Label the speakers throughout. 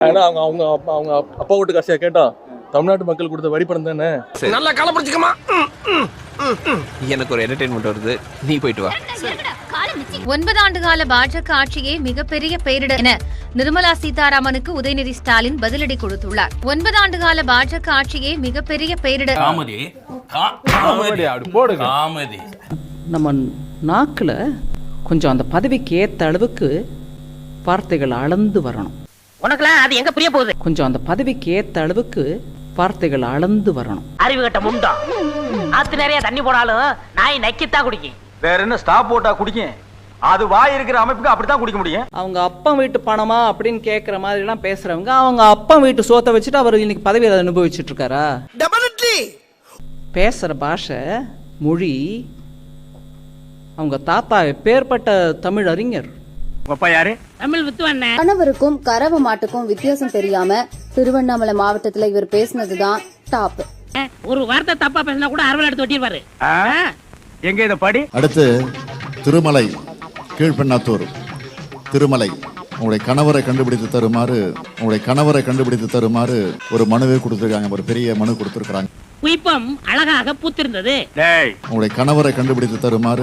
Speaker 1: ஏன்னா அவங்க அவங்க அப்பா அவங்க அப்பா வீட்டு காசியா கேட்டா தமிழ்நாட்டு மக்கள் கொடுத்த வரி பணம் தானே.
Speaker 2: நல்லா கலப்பிடிச்சுக்கமா. எனக்கு ஒரு என்டர்டெயின்மெண்ட் வருது, நீ போயிட்டு வா.
Speaker 3: 9 ஆண்டு கால பாஜக ஆட்சியே மிகப்பெரிய பேரிடர் என நிர்மலா சீதாராமனுக்கு உதயநிதி ஸ்டாலின் பதிலடி கொடுத்துள்ளார். 9 ஆண்டு கால பாஜக ஆட்சியே மிகப்பெரிய பேரிடர்.
Speaker 4: நம்ம நாக்குல கொஞ்சம் அந்த பதவிக்கு ஏத்த அளவுக்கு வார்த்தைகள் அளந்து வரணும்.
Speaker 5: உனக்குலாம் அது எங்க புரிய போகுது?
Speaker 4: கொஞ்சம் அந்த பதவிக்கு ஏத்த அளவுக்கு வார்த்தைகள் அளந்து வரணும்.
Speaker 5: அறிவு கட்ட முண்டா. ஆத்து நிறைய தண்ணி போனாலும் நாய் நக்கித்தான் குடிக்கும்.
Speaker 6: வேற என்ன ஸ்டாப் போட்டா குடிக்கும்? அது வாய் இருக்கிற அமைப்புக்கு அப்படித்தான் குடிக்க முடியும்.
Speaker 4: அவங்க அப்பா வீட்டு பணமா அப்படின்னு கேட்கற மாதிரி எல்லாம் பேசுறவங்க அவங்க அப்பா வீட்டு சோத்தை வச்சுட்டு அவர் இன்னைக்கு பதவியை அனுபவிச்சுட்டு இருக்காரா? பேசுற பாஷை மொழி அவங்க தாத்தா பேர்பட்ட தமிழ் அறிஞர்.
Speaker 5: தமிழ் வித்துவண்ண
Speaker 7: கணவருக்கும் கறவை மாட்டுக்கும் வித்தியாசம் தெரியாம திருவண்ணாமலை மாவட்டத்துல இவர் பேசினதுதான் டாப்.
Speaker 5: ஒரு வார்த்தை தப்பா பேசினா கூட அரவல் எடுத்து ஒட்டிடுவாரு.
Speaker 6: எங்க இத படி.
Speaker 8: அடுத்து திருமலை கீழ்பெண்ணாத்தூர் திருமலை உங்களுடைய கணவரை கண்டுபிடித்து தருமாறு ஒரு மனுவே கொடுத்திருக்காங்க. ஒரு பெரிய மனு கொடுத்திருக்காங்க.
Speaker 5: குயிப்பம் அழகாக பூத்திருந்தது.
Speaker 8: உங்களுடைய கணவரை கண்டுபிடித்து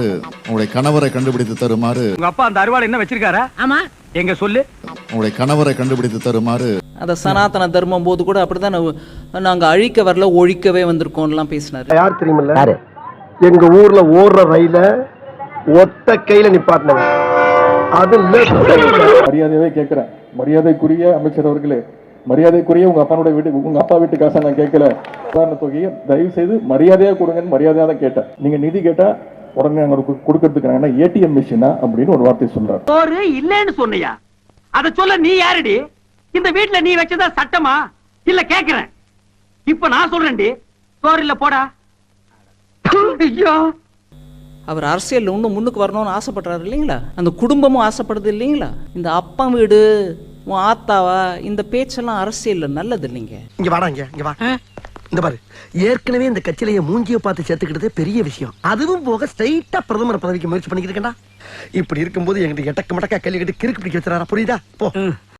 Speaker 8: தருமாறு
Speaker 6: உங்க அப்பா அந்த அருவாள் என்ன வச்சிருக்காரா?
Speaker 5: ஆமா,
Speaker 6: எங்க சொல்லு.
Speaker 8: உங்களுடைய கணவரை கண்டுபிடித்து தருமாறு
Speaker 4: அந்த சனாதன தர்மம் போது கூட அப்படிதான் நாங்க அழிக்க வரல ஒழிக்கவே வந்திருக்கோம்லாம் பேசினாரு.
Speaker 9: யார் தெரியுமில்ல? எங்க ஊர்ல ஓடுற ரயில ஒத்த கையில நிப்பாட்டினது. அது
Speaker 1: மரியாதையாவே கேட்கிறேன். மரியாதைக்குரிய அமைச்சர் அவர்களே, மரியாதைக்குரிய உங்க அப்பா வீட்டு காசை நான் கேட்கல. உதாரண தொகையை தயவு செய்து மரியாதையா கொடுங்கன்னு மரியாதையா தான் கேட்டேன். நீங்க நிதி கேட்டா உடனே அங்க கொடுக்கறதுக்கு ஏடிஎம் மிஷினா அப்படின்னு ஒரு வார்த்தை சொல்றாரு.
Speaker 5: ஒரு இல்லன்னு சொன்னியா? அத சொல்ல நீ யாருடி? இந்த வீட்டுல நீ வச்சதா சட்டமா இல்ல கேக்குறேன். இப்ப நான் சொல்றேன்டி, சோறு இல்ல போடா. ஐயோ,
Speaker 4: அவர் அரசியல் இன்னும் முன்னுக்கு வரணும்னு ஆசைப்படுறாரு இல்லைங்களா? அந்த குடும்பமும் ஆசைப்படுது இல்லைங்களா? இந்த அப்பா வீடு உன் ஆத்தாவா இந்த பேச்செல்லாம் அரசியல்ல நல்லது இல்லைங்க.
Speaker 9: இங்க வாடா, இங்க வா. இந்த பாரு, ஏற்கனவே இந்த கட்சியிலேயே மூஞ்சிய பார்த்து சேர்த்துக்கிட்டதே பெரிய விஷயம். அதுவும் போக ஸ்ட்ரைட்டா பிரதமர் பதவிக்கு முயற்சி பண்ணிக்கிட்டு இருக்கேன்டா. இப்படி இருக்கும்போது எங்கிட்ட எட்டக்க மடக்கா கேள்வி கேட்டு கிறுக்கு பிடிக்க வச்சுறாரா? புரியுதா? போ.